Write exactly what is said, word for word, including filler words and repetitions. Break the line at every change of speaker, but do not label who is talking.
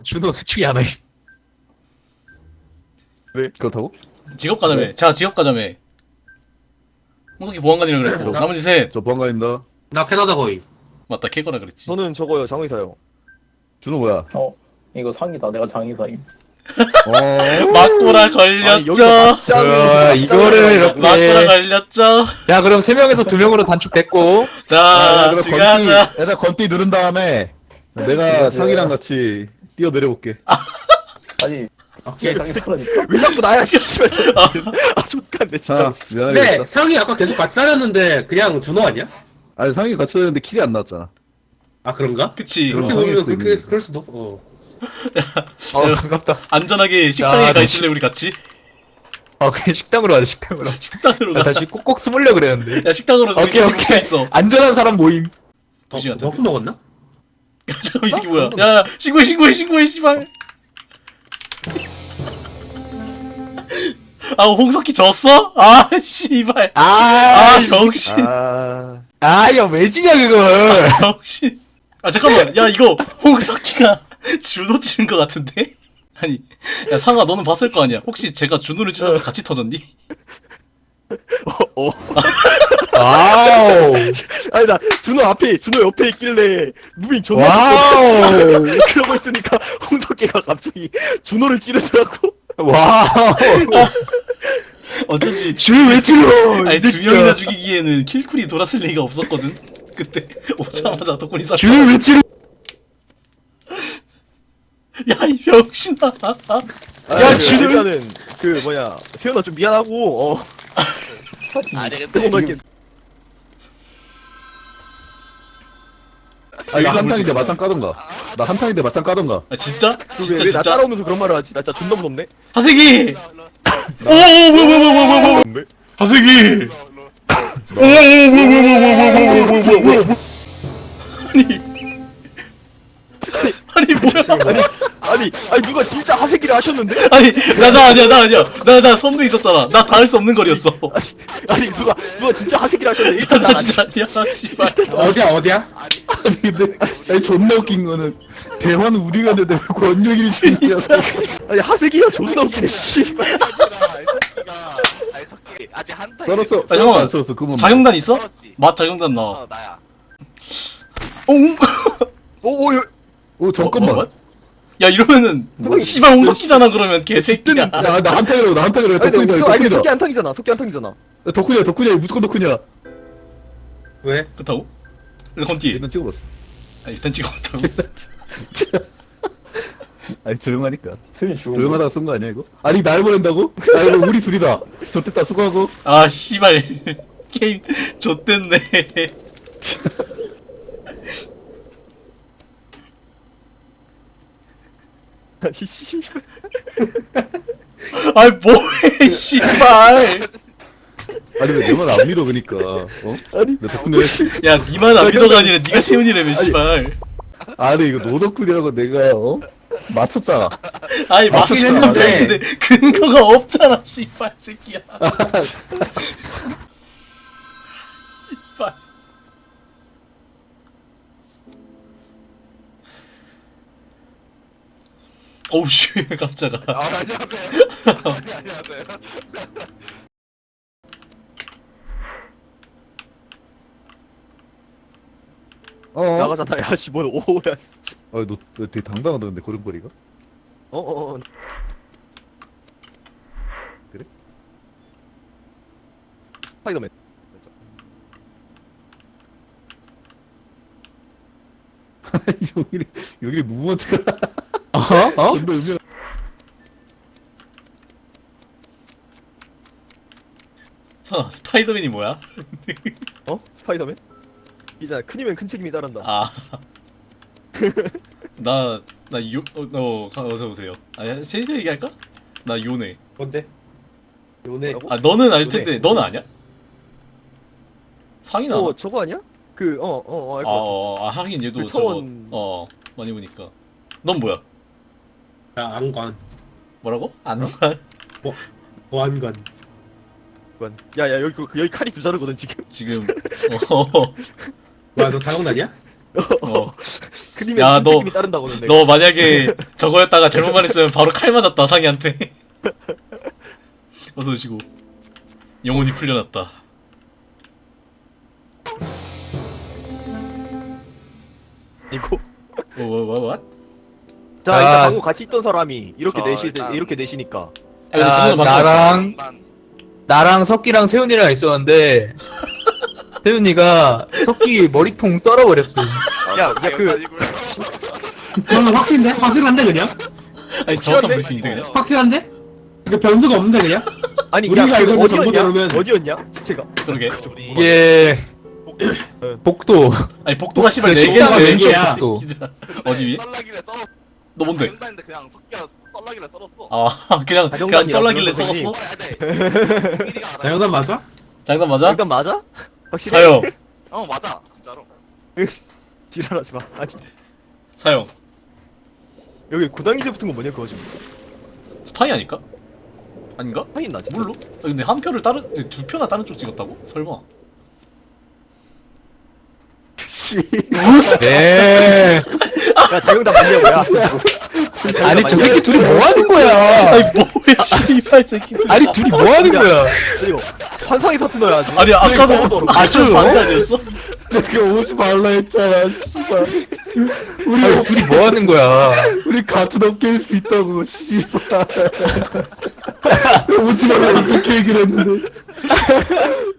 준호 셋중에 하나임.
왜? 그렇다고?
직업 가자매.
네.
자, 직업 가자매. 홍석이 보안관이라 그랬고
저-
나머지 셋.
저 보안관입니다.
나 캐나다 거의.
맞다, 캐거라 그랬지.
저는 저거요, 장의사요.
준호 뭐야?
어 이거 상이다. 내가 장의사임.
어?
맞고라
아니,
걸렸죠.
여기서 맞짱을
어, 이거를
맞고라
이렇게.
걸렸죠.
야, 그럼 세 명에서 두 명으로 단축됐고.
자,
아, 그럼 건띠,
들어가자.
일단 건띠 누른 다음에 내가
들어가세요.
상이랑 같이 뛰어 내려볼게.
아니
오케이.
장의사라니까.
왜 자꾸 나야, 씨발. 아, 족간데, 진짜.
자, 미안하겠다.
근데 상이 아까 계속 같이 다녔는데 그냥 준호 아니야?
아니 상이 같이 다녔는데 킬이 안 나왔잖아.
아 그런가?
그치.
그럼
그렇게
상일
보면
수도
그렇게
있는데.
그럴 수도. 어.
어, 반갑다.
안전하게 식당에
야,
가 있을래 우리 같이?
어, 그냥 식당으로 가자, 식당으로.
식당으로
나
가.
다시 꼭꼭 숨으려 그랬는데.
야, 식당으로 가.
오케이,
뭉쳐
오케이.
있어.
안전한 사람 모임.
두 시간.
너 술 먹었나?
잠깐 이 새끼 뭐야? 야, 야, 신고해, 신고해, 신고해, 씨발. 아, 홍석기 졌어? 아, 씨발.
아,
아, 병신.
아.
아, 야, 왜 지냐, 그걸.
병신. 아, 잠깐만. 야, 이거 홍석기가 준호 치는 거 같은데? 아니, 야, 상아, 너는 봤을 거 아니야? 혹시 제가 준호를 찔러서 같이 터졌니?
어, 어.
와우.
아니, 나, 준호 앞에, 준호 옆에 있길래, 무빙 존나
와우.
쳤거든. 그러고 있으니까, 홍석기가 갑자기 준호를 찌르더라고.
와우.
어쩐지.
줄 왜 찔러?
아니,
이
두
새끼야.
명이나 죽이기에는 킬쿨이 돌았을 리가 없었거든? 그때 오자마자 덕분이 싹.
줄 왜 찔러?
야, 이 병신아.
야,
준호.
일단은, 그, 뭐냐, 세연아 좀 미안하고, 어.
아
조금만 이렇게.
아 이거 한탕인데 맞짱 까던가. 나 한탕인데 맞짱 까던가.
아, 진짜? 진짜,
왜, 왜 나
진짜?
따라오면서 그런 말을 하지? 나 진짜 존나 무섭네.
하세기! 오, 오, 뭐야, 뭐야, 뭐야, 뭐야, 뭐야.
무섭네.
하세기! 오, 오, 뭐야, 뭐야, 뭐야, 뭐야, 뭐야, 뭐야, 뭐야, 뭐야. 아니, 아니, 뭐야.
아니, 아니, 누가 진짜 하세기를 하셨는데?
아니, 나, 나 아니야, 나 아니야. 나, 나 선두 있었잖아. 나 닿을 수 없는 거리였어.
아니, 누가, 누가 진짜 하세기를 하셨는데?
나,
일단
나
난
진짜 아니야, 씨발.
어디야 어디야?
아니 근데 아니 존나 웃긴 거는 대화는 우리가 했는데 왜 권력이 중이야.
아니, 하세기가 존나 웃기네, 씨발.
아직 한타
썰었어.
아, 잠깐만.
안 썰었어. 그만.
자경단 있어?
썰었지.
맛 자경단 나와.
어 나야.
옹!
오, 오, 여-
오 잠깐만.
어, 어, 야, 이러면은, 씨발, 홍석기잖아, 그러면, 개새끼야.
야나 한탕이라고 나 한탕이라고
아니, 근데
덕분이다
석- 아니,
덕분이다.
석기 한탕이잖아, 석기 한탕이잖아.
덕분이야 덕분이야 무조건 덕분이야.
왜?
그렇다고? 일단 건띠.
일단 찍어봤어.
아, 일단 찍어봤다고.
아니 조용하니까.
수빈 죽은 거.
조용하다가 쏜 거 아니야 이거? 아니 날 보낸다고? 아 이거 우리 둘이다. 좋됐다 수고하고.
아, 씨발. 게임, 좆됐네.
아니, 씨발.
아이, 뭐해, 씨발.
아니 왜 내 말 안 믿어 그니까. 어?
아니,
내 덕분에 했지.
야, 니만 안 믿어가 아니라 니가 세훈이라며, 씨발.
아니 이거 너 덕분이라고 내가 어? 맞췄잖아.
아니, 맞긴
맞췄어.
했는데, 근데 근거가 없잖아, 씨발, 새끼야. 씨발. 오우, 씨, 깜짝아.
아 안녕하세요. 아니, 안녕하세요.
어?
나가잖아, 야, 씨, 뭘, 오야, 진짜.
아너 너 되게 당당하다 근데 걸음걸이가.
어, 어, 어.
그래?
스- 스파이더맨. 진짜.
여기 여기 무브먼트가.
어? 어?
존나 의미.
선아, 스파이더맨이 뭐야?
어? 스파이더맨? 이잖아, 큰이면 큰 책임이 따른다.
아. 나, 나 요, 어, 어, 가- 어서 오세요. 아, 셋이서 얘기할까? 나 요네.
뭔데? 요네.
뭐라고?
아, 너는 알
요네.
텐데, 너는 아냐? 상이나.
어, 저거 아니야? 그, 어, 어, 어,
아,
알 것 같아.
어, 아, 하긴 얘도
그
저거,
차원-
어, 많이 보니까. 넌 뭐야?
야 안관.
뭐라고? 안 가?
보안관.
그건. 야, 야, 여기, 그- 여기 칼이 두 자루거든, 지금.
지금, 어,
뭐야 너 자경단이야?
어.
그림에
야,
큰
너-
책임이 따른다고는 내가.
너 만약에 저거였다가 잘못 말했으면 바로 칼 맞았다 상이한테. 어서 오시고. 영혼이 풀려났다.
이거.
뭐뭐뭐
자,
아.
일단 방금 같이 있던 사람이 이렇게
저
내시
일단-
이렇게 내시니까.
아, 근데
야,
지금은 방금
나랑
난
나랑 석기랑 세훈이랑 있었는데 세훈이가 석기 머리통 썰어버렸어.
야, 야, 그-
그러면 확신데? 확실한데 그냥?
아니 정확한
확실한데?
브리핑인데 그냥.
확실한데? 그 변수가 없는데 그냥?
아니,
우리가
야,
알고
그
있는
어디였냐?
정보대로면-
어디였냐? 시체가.
그러게.
이게 복도.
아니 복도가 씨발
그
네 개나
식당
왼쪽
왼쪽이야.
복도. 어디 위에?
썰라길래 썰어.
너 뭔데?
했는데 그냥 석기가 썰라길래 썰었어.
아 그냥 그냥
자정단이라고
썰라길래
선생님.
썩었어?
썰어야 돼.
장현단 맞아?
장난 맞아?
일단 맞아? 확실해?
사형
어 맞아 진짜로.
지랄하지 마. 아니,
사형
여기 고당이제 붙은 거 뭐냐 그거 지금.
스파이 아닐까? 아닌가?
파인 나 진짜.
몰라? 아, 근데 한 표를 다른 두 표나 다른 쪽 찍었다고? 설마?
네.
야, 자영당 맞냐고, 야.
아니 저 새끼 둘이 뭐 하는 거야?
아니 뭐야 씨발 새끼들.
아니 둘이 뭐 하는 거야?
그리고 환상의 파트너야. 아주.
아니 아까도
그러니까
아주 반대 아니었어?
내가 오지 말라 했잖아 씨발. 우리
아니 둘이 뭐 하는 거야?
우리 같은 업계일 수 있다고 씨발. 오지 말라 이렇게 얘기를 했는데